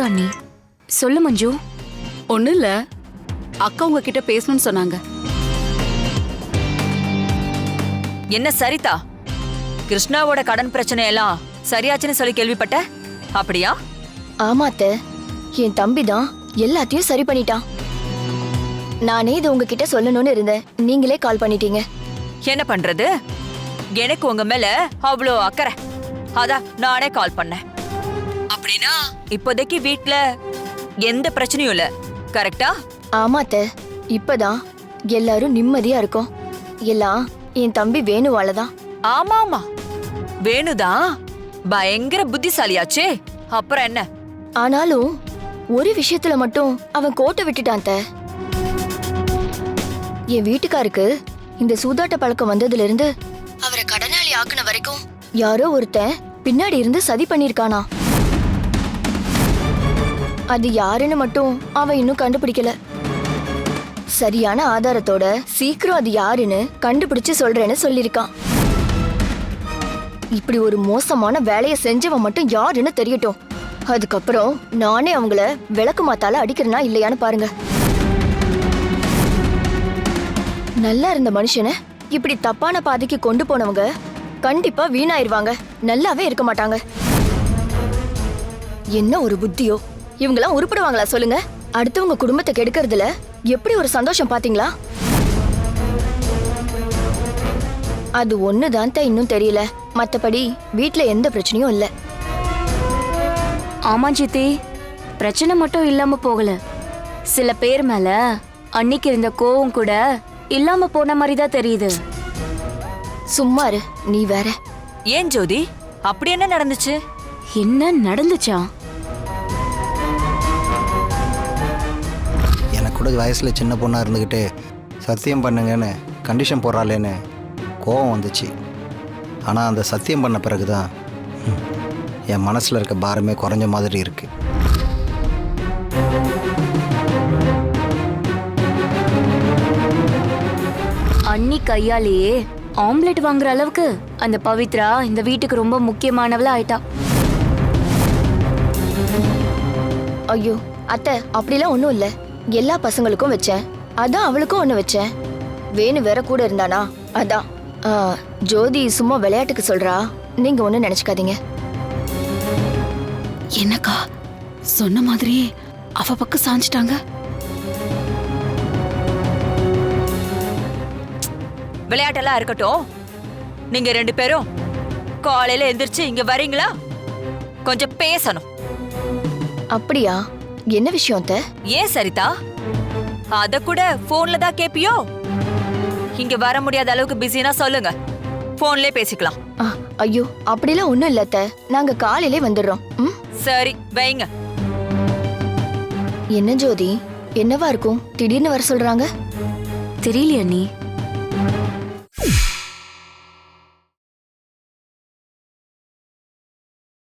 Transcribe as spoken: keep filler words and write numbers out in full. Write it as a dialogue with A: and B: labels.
A: போதும் அண்ணி. சொல்லு மஞ்சு.
B: ஒண்ணு இல்ல, அக்கா உங்ககிட்ட பேசணும்னு சொன்னாங்க.
C: என்ன சரிதா, கிருஷ்ணாவோட கடன் பிரச்சனை எல்லாம் சரியாச்சுன்னு சொல்லி கேள்விப்பட்ட, அப்படியா?
D: ஆமா அத்தை, என் தம்பி தான் எல்லாத்தையும் சரி பண்ணிட்டான். நானே இது உங்ககிட்ட சொல்லணும்னு இருந்தேன், நீங்களே கால் பண்ணிட்டீங்க.
C: என்ன பண்றது, எனக்கு உங்க மேல அவ்வளோ அக்கறை, அதான் நானே கால் பண்ணேன். அப்படின்னா இப்போதைக்கு வீட்ல எந்த பிரச்சனையும் இல்ல, கரெக்டா?
D: ஆமா அத்தை, இப்பதான் எல்லாரும் நிம்மதியா இருக்கோம். எல்லாம் என் தம்பி வேணுவாலதான்.
C: ஆமா ஆமா, வேணுதான் பயங்கர புத்திசாலியாச்சே, அப்புறம் என்ன?
D: ஆனாலும் ஒரு விஷயத்துல மட்டும் அவன் கோட்டை விட்டுட்டான் அத்தை. என் வீட்டுக்காருக்கு இந்த சூதாட்ட பழக்கம் வந்ததுல இருந்து அவரை கடனாளி ஆக்குன வரைக்கும் யாரோ ஒருத்தன் பின்னாடி இருந்து சதி பண்ணிருக்கானா. அது யாருன்னு மட்டும் அவன் இன்னும் கண்டுபிடிக்கல. சரியான ஆதாரத்தோட சீக்கிரம் அது யாருன்னு கண்டுபிடிச்சு சொல்றேன்னு சொல்லிருக்கான். இப்படி ஒரு மோசமான வேலையை செஞ்சவன் மட்டும் யாருன்னு தெரியட்டும், அதுக்கப்புறம் நானே அவங்கள விளக்கு மாத்தால அடிக்கிறனா இல்லையான்னு பாருங்க. நல்லா இருந்த மனுஷனை இப்படி தப்பான பாதைக்கு கொண்டு போனவங்க கண்டிப்பா வீணாயிருவாங்க, நல்லாவே இருக்க மாட்டாங்க. என்ன ஒரு புத்தியோ, இவங்கெல்லாம் உருப்படுவாங்களா சொல்லுங்க? அடுத்தவங்க குடும்பத்தை கெடுக்கிறதுல எப்படி ஒரு சந்தோஷம் பாத்தீங்களா? அது ஒண்ணுதான் இன்னும் தெரியல, மத்தபடி வீட்ல எந்த பிரச்சனையும் இல்ல.
A: ஆமா சித்தி, பிரச்சனை மட்டும் இல்லாம போகல, சில பேர் மேல அன்னைக்கு இருந்த கோவம் கூட இல்லாம போன மாதிரி தான் தெரியுது.
D: சும்மா இரு நீ வேற.
C: ஏன் ஜோதி, அப்படி என்ன நடந்துச்சு?
A: என்ன நடந்துச்சா?
E: எனக்கு கூட வயசில் சின்ன பொண்ணாக இருந்துக்கிட்டு சத்தியம் பண்ணுங்கன்னு கண்டிஷன் போடுறாளேன்னு கோவம் வந்துச்சு. ஆனால் அந்த சத்தியம் பண்ண பிறகு தான் என் மனசில் இருக்க பாரமே குறைஞ்ச மாதிரி இருக்கு.
A: அண்ணி கையாலேயே ஆம்லெட் வாங்குற அளவுக்கு அந்த பவித்ரா இந்த வீட்டுக்கு ரொம்ப முக்கியமானவளா ஆயிட்டா.
D: ஐயோ அத்தை, அப்படிலாம் ஒண்ணும் இல்ல. எல்லா பசங்களுக்கும் வச்சேன், அதான் அவளுக்கும் ஒண்ணு வச்சேன். வேணு வேற கூட இருந்தானா, அதான். ஆ, ஜோதி சும்மா விளையாட்டுக்கு சொல்றா, நீங்க ஒண்ணு நினைச்சுக்காதீங்க.
B: என்னக்கா சொன்ன மாதிரியே அவ பக்கம் சாஞ்சிட்டாங்க.
C: விளையாட்டெல்லாம் இருக்கட்டும், நீங்க ரெண்டு பேரும் காலையில எந்திரிச்சு இங்க வரீங்களா? கொஞ்சம் பேசணும்.
D: அப்படியா, என்ன விஷயம் அத்தை?
C: ஏன் சரிதா, அத கூட போன்ல தான் கேப்பியோ? இங்க வர முடியாத அளவுக்கு பிஸினா சொல்லுங்க, போன்லயே பேசிக்கலாம்.
D: ஆ, ஐயோ அப்படிலாம் ஒண்ணும் இல்ல அத்தை, நாங்க காலையிலே வந்துடுறோம். ம்,
C: சரி வைங்க.
D: என்ன ஜோதி, என்னவா இருக்கும் திடீர்னு வர சொல்றாங்க?
A: தெரியலையா அண்ணி?